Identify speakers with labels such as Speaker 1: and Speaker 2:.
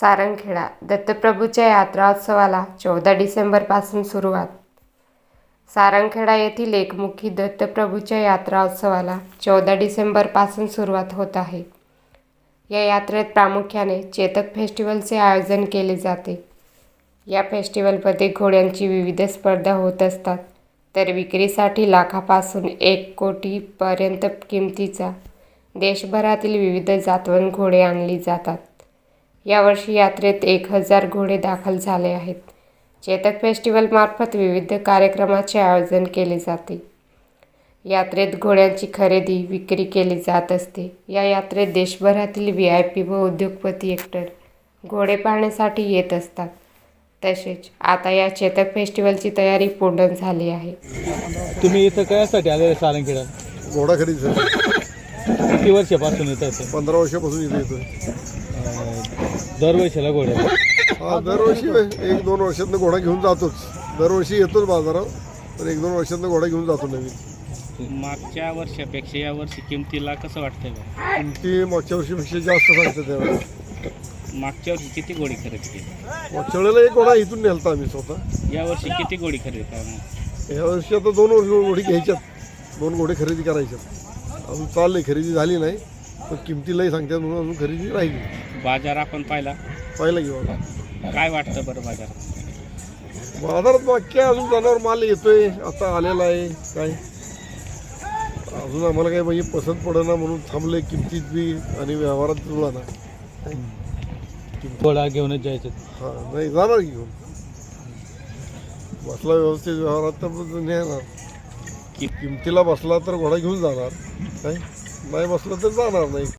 Speaker 1: सारंगखेडा दत्तप्रभूच्या यात्रोत्सवाला 14 डिसेंबरपासून सुरुवात. सारंगखेडा येथील एकमुखी दत्तप्रभूच्या यात्रोत्सवाला 14 डिसेंबरपासून सुरुवात होत आहे. या यात्रेत प्रामुख्याने चेतक फेस्टिवलचे आयोजन केले जाते. या फेस्टिवलमध्ये घोड्यांची विविध स्पर्धा होत असतात, तर विक्रीसाठी लाखापासून 1 कोटीपर्यंत किमतीचा देशभरातील विविध जातवन घोडे आणली जातात. यावर्षी यात्रेत 1000 घोडे दाखल झाले आहेत. चेतक फेस्टिवलमार्फत विविध कार्यक्रमाचे आयोजन केले जाते. यात्रेत घोड्यांची खरेदी विक्री केली जात असते. या यात्रेत देशभरातील VIP व उद्योगपती एकतर घोडे पाहण्यासाठी येत असतात. तसेच आता या चेतक फेस्टिवलची तयारी पूर्ण झाली आहे.
Speaker 2: तुम्ही इथं कशासाठी आले सारंगखेडा?
Speaker 3: घोडा खरेदीसाठी.
Speaker 2: किती वर्षापासून येत असेल?
Speaker 3: 15 वर्षापासून इथे येतोय.
Speaker 2: दरवर्षीला घोड्या?
Speaker 3: हा, दरवर्षी 1-2 वर्षातनं घोडा घेऊन जातोच. दरवर्षी येतोच बाजारात, तर 1-2 वर्षातनं घोडा घेऊन जातो नवीन.
Speaker 4: मागच्या वर्षापेक्षा या वर्षी किमतीला कसं वाटतंय बा?
Speaker 3: किमती मागच्या वर्षीपेक्षा जास्त सांगतात त्यावेळेला.
Speaker 4: मागच्या वर्षी किती घोडी खरेदी केली?
Speaker 3: मागच्या वेळेला एक घोडा इथून नेलता आम्ही स्वतः.
Speaker 4: या वर्षी किती घोडी खरेदी करणार?
Speaker 3: या वर्षी आता 2 घोडी घ्यायच्यात, 2 घोडे खरेदी करायच्यात. अजून चाललंय, खरेदी झाली नाही, पण किमतीलाही सांगतात म्हणून अजून खरेदी राहिली.
Speaker 4: बाजार आपण पाहिला
Speaker 3: घेऊ आता.
Speaker 4: काय वाटतं बरं बाजार?
Speaker 3: बाजारात मागच्या अजून जनावर माल येतोय, आता आलेला आहे. काय अजून आम्हाला काही म्हणजे पसंत पडेना म्हणून थांबले किमतीत बी आणि व्यवहारात जुळला ना.
Speaker 2: घोडा घेऊनच जायचं?
Speaker 3: हां, नाही जाणार घेऊन. बसला व्यवस्थित व्यवहारात तर नेणार. किमतीला बसला तर घोडा घेऊन जाणार, काय नाही बसला तर जाणार नाही.